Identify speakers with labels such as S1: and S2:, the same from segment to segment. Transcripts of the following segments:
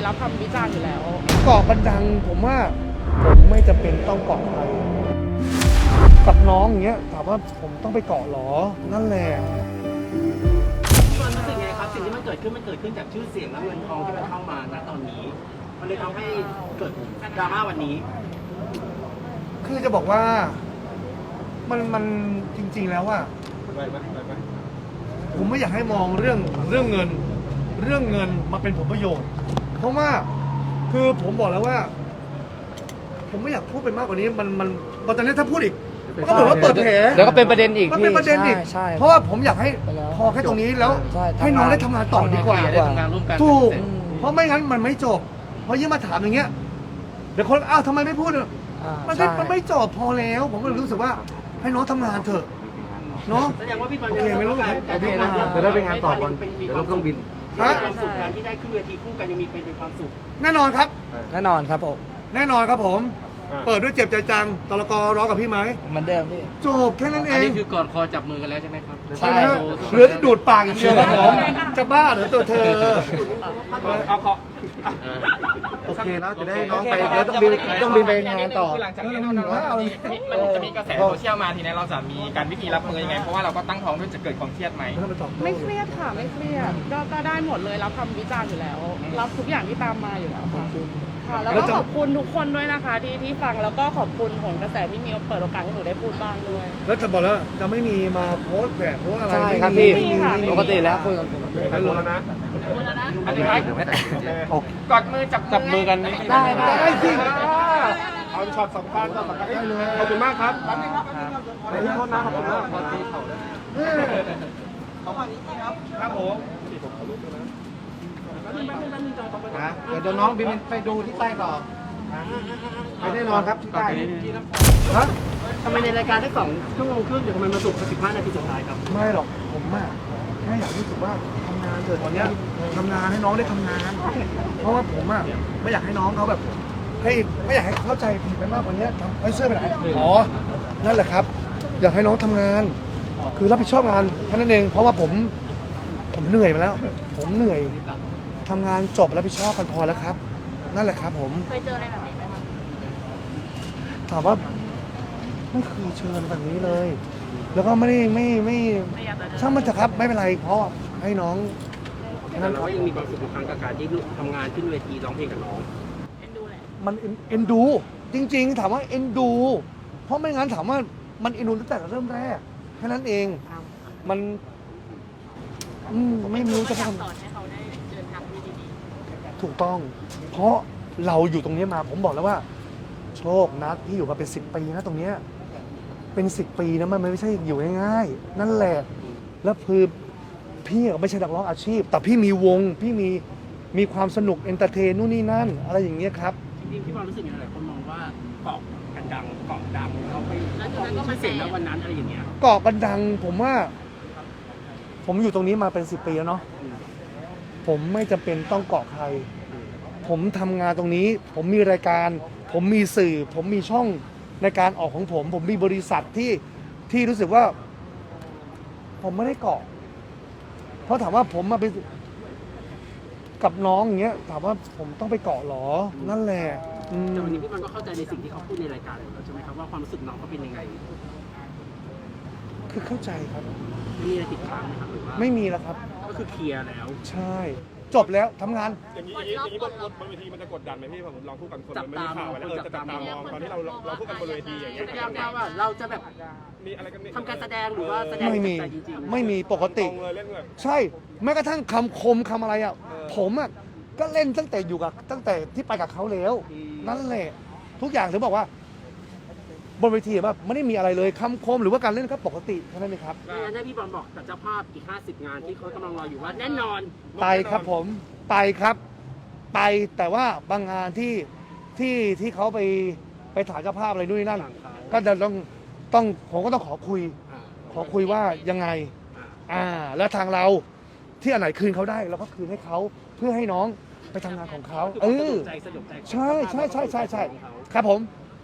S1: รับคำวิจารณ์อยู่แล้ว
S2: เกาะบันดังผมว่าผมไม่จำเป็นต้องเกาะใครกับน้องอย่างเงี้ยถามว่าผมต้องไปเกาะหรอนั่นแหละ
S3: มันรู้สึกไงครับสิ่งที่มันเกิดขึ้นจากชื่อเสียงและเงินทองที่มันเข้ามาณตอนนี้มันเลยทำให้เกิดดราม่าวันนี้
S2: คือจะบอกว่ามันจริงๆแล้วอะผมไม่อยากให้มองเรื่องเงินมาเป็นผลประโยชน์เพราะว่าคือผมบอกแล้วว่าผมไม่อยากพูดไปมากกว่านี้มันตอนนี้ถ้าพูดอีกก็เหมือนว่าเปิดแผล
S4: แล้วก็เป็นประเด็นอีก
S2: มันเป็นประเด็นอีกเพราะว่าผมอยากให้พอแค่ตรงนี้แล้วให้น้องได้ทำงานต่อดีกว่าถูกเพราะไม่งั้นมันไม่จบเพราะยิ่งมาถามอย่างเงี้ยเดี๋ยวคนอ้าวทำไมไม่พูดมันไม่จบพอแล้วผมก็รู้สึกว่าให้น้องทำงานเถอะเนาะ
S3: แสดงว่าพี่บอล
S2: โอเคไม่รู้
S4: โอเคนะจะได้ไปงานต่อก่อนเดี๋ยวรถเครื่องบิน
S3: ความสุขการที่ได้ขึ้นเวทีคู่กันยังมีเป็นความสุข
S2: แน่นอนครับ
S4: แน่นอนครับผม
S2: แน่นอนครับผมเปิดด้วยเจ็บใจจังตลกร้องกับพี่ไหม
S4: เหมือนเดิมพี่
S2: จบแค่นั้นเอง
S5: อันนี้คือกอดคอจับมือกันแล้วใช่ไหมครับ
S2: ใช่เหลือดูดปากอย่างเดียวครับผมจะบ้าเหรอตัวเธอ
S5: เอาขอ
S4: โอเคแล้วจะได้น้องไปแล้วต้องบินไปงานต่อ
S5: หลังจากนี้มันจะมีกระแสโซเชียลมาทีนี้เราจะมีการวิธีรับมือยังไงเพราะว่าเราก็ตั้งท้องด้วยจะเกิดความเครียดไหม
S1: ไม่เครียดค่ะไม่เครียดก็ได้หมดเลยรับคำวิจารณ์อยู่แล้วรับทุกอย่างที่ตามมาอยู่แล้วค่ะแล้วก็ขอบคุณทุกคนด้วยนะคะที่ฟังแล้วก็ขอบคุณของกระแสที่มีเปิดโอกาสให้หนูได้พูดบ้างด้วย
S2: แล้วจะบอกแล้วจะไม่มีมาโพสต์แบบโพสอะไร
S4: ใช่ครับพี่ปกติแล้วคุยกัน
S5: ใครรู้แล้วนะอันนี้กอดมือจับมือกัน
S2: ได้สิ
S5: เอาช็อตสำคัญได้เลยขอบคุณมากครับไม่โทษนะขอบคุณมากพอตีเขาเลยครับผม
S4: เดี๋ยวน้องบินไปดูที่ใต้ต่อไปแน่นอนครับที่ใต้
S2: ฮะ
S3: ทำไมในรายการได้2 ชั่วโมงครึ่งเดี๋ยวทำไมมาสุก15 นาทีสุดท้ายครับ
S2: ไม่หรอกผมแค่อยากรู้สึกว่าทำงานเถอะตอนนี้ทำงานให้น้องได้ทำงานเพราะว่าผมไม่อยากให้น้องเขาแบบไม่อยากให้เข้าใจผิดไปมากกว่านี้ไอ้เสื้อไปไหนอ๋อนั่นแหละครับอยากให้น้องทำงานคือรับผิดชอบงานแค่นั้นเองเพราะว่าผมเหนื่อยมาแล้วผมเหนื่อยทำงานจบรับผิดชอบกันพอแล้วครับนั่นแหละครับผม
S1: เคยเจออะไรแบบนี้ไหมคะ
S2: ถามว่าไม่เคยเชิญแบบนี้เลย แล้วก็ไม่ช่างมันจะครับไม่เป็นไรเพราะให้น้อง
S3: นั่นเรายังมีความสุขทุกครั้งกับการที่ทำงานขึ้นเวทีร้องเพลงกับน้อง
S2: มันเอ็นดูจริงๆถามว่าเอ็นดูเพราะไม่งั้นถามว่ามันเอ็นดูตั้งแต่เริ่มแรกแค่นั้นเองมันไม่รู้จะทำถูกต้องเพราะเราอยู่ตรงนี้มาผมบอกแล้วว่าโชคนัดพี่อยู่มาเป็น10 ปีนะตรงเนี้ยเป็น10 ปีนะมันไม่ใช่อยู่ง่ายๆนั่นแหละแล้วคือพี่ก็ไม่ใช่นักร้องอาชีพแต่พี่มีวงพี่มีความสนุกเอนเตอร์เทนนู่นนี่นั่นอะไรอย่างเงี้ยครับ
S3: จริงๆพี่บอลรู้สึกยังไงหลายคนมองว่าเกาะกันดังเขาไปชื่อเสียงแล้ววันนั้นอะไรอย่างเงี้ย
S2: เกาะกันดังผมว่าผมอยู่ตรงนี้มาเป็น10 ปีแล้วเนาะผมไม่จำเป็นต้องเกาะใครผมทำงานตรงนี้ผมมีรายการผมมีสื่อผมมีช่องในการออกของผมมีบริษัทที่รู้สึกว่าผมไม่ได้เกาะเพราะถามว่าผมมาเป็นกับน้องอย่างเงี้ยถามว่าผมต้องไปเกาะหรอนั่นแหละ
S3: แต่วันนี้พี่บอลก็เข้าใจในสิ่งที่เขาพูดในรายการใช่ไหมครับว่าความรู้สึกน้องเขาเป็นยังไง
S2: คือเข้าใจครับ
S3: ไม่มีอะไรติดค้างไหมครับหรือว่า
S2: ไม่มีแล้วครับ
S3: ก็คือเคลียร์แล้ว
S2: ใช่จบแล้วทำงาน
S5: อย่างนี้บนเวทีมันจะกดดันไหมพี่ผมลองพูดกันคนไม่มีข่าวแล้วจะจับตามองตอนที่เราพูดกันบนเวทีอย่างเงี้ย
S3: ว่าเราจะแบบมีอะไรกันทำการแสดงหรือว่าแสดง
S2: ไม่มีปกติใช่แม้กระทั่งคำคมคำอะไรอ่ะผมอ่ะก็เล่นตั้งแต่ที่ไปกับเขาแล้วนั่นแหละทุกอย่างถึงบอกว่าบนเวทีแบบไม่ได้มีอะไรเลยคำคมหรือว่าการเล่นก็ปกติเท่านั้นเองครับ
S3: งั้นให้พี่บอลบอกกับเจ้าภาพอีก50 งานที่เขากำลังรออยู่ว่าแน่นอน
S2: ไปครับผมไปครับไปแต่ว่าบางงานที่เขาไปถ่ายเจ้าภาพอะไรนู่นนี่นั่นก็จะต้องผมก็ต้องขอคุยว่ายังไงแล้วทางเราที่อันไหนคืนเขาได้เราก็คืนให้เขาเพื่อให้น้องไปทำงานของเขาใช่ครับผม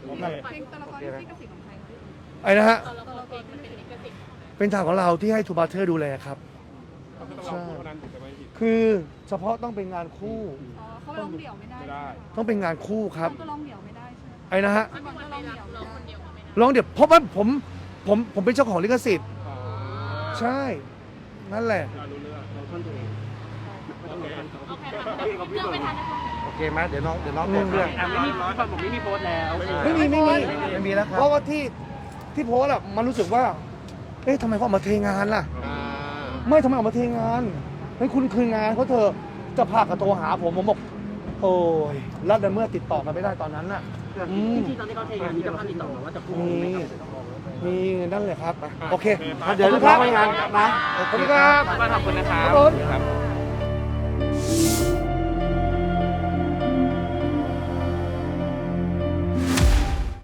S2: ไอ้นะฮะเป็นทางของเราที่ให้ทูบาเทอร์ดูแลครับใช่คือเฉพาะต้องเป็นงานคู่
S1: อ๋อเขาร้องเดี่ยวไม่ได้
S5: ไม่ได้
S2: ต้องเป็นงานคู่ครับ
S1: ก็ร้องเดี่ยวไม่ได้ใช่ไหม
S2: ไอ้นะฮะ
S1: พี่บอลก็ร้องเดี่ยวไม่ได้
S2: ร้องเดี๋ยวเพราะว่าผมเป็นเจ้าของลิขสิทธิ์ ใช่ นั่นแหละ
S5: รู้เรื่อง
S1: โอเคค่ะเรื่องไม่ทันนะคะ
S4: โอเคไหมเดี๋ยวน้องเปิดเครื่อง
S3: ไม่มีผมไม่มีโพสต์แล้ว
S2: ไม่มี
S4: ไม่มีแล้วครับ
S2: เพราะว่าที่โพสต์อะมันรู้สึกว่า เอ๊ะทำไมเขาออกมาเทงานล่ะ ไม่ทำไมออกมาเทงานเฮ้ยคุณคืองานเขาเธอะจะพากับโทรหาผมบอก โอ้ยแล้วในเมื่อติดต่อกันไม่ได้ตอนนั้นน่ะ อืม
S3: จริงๆตอนที่เขาเทงานมีเจ้าภาพติดต่อมาว่าจะพูด
S2: มีนั่นเลยครับ โอเค
S4: เดี๋ยว
S2: ขอบ
S4: น้
S2: คุ
S4: อง
S2: ณ
S4: ไป
S2: ครับ
S4: งานนะ
S2: ขอบคุณครับ
S3: ขอบคุณนะครับ
S2: ครับผม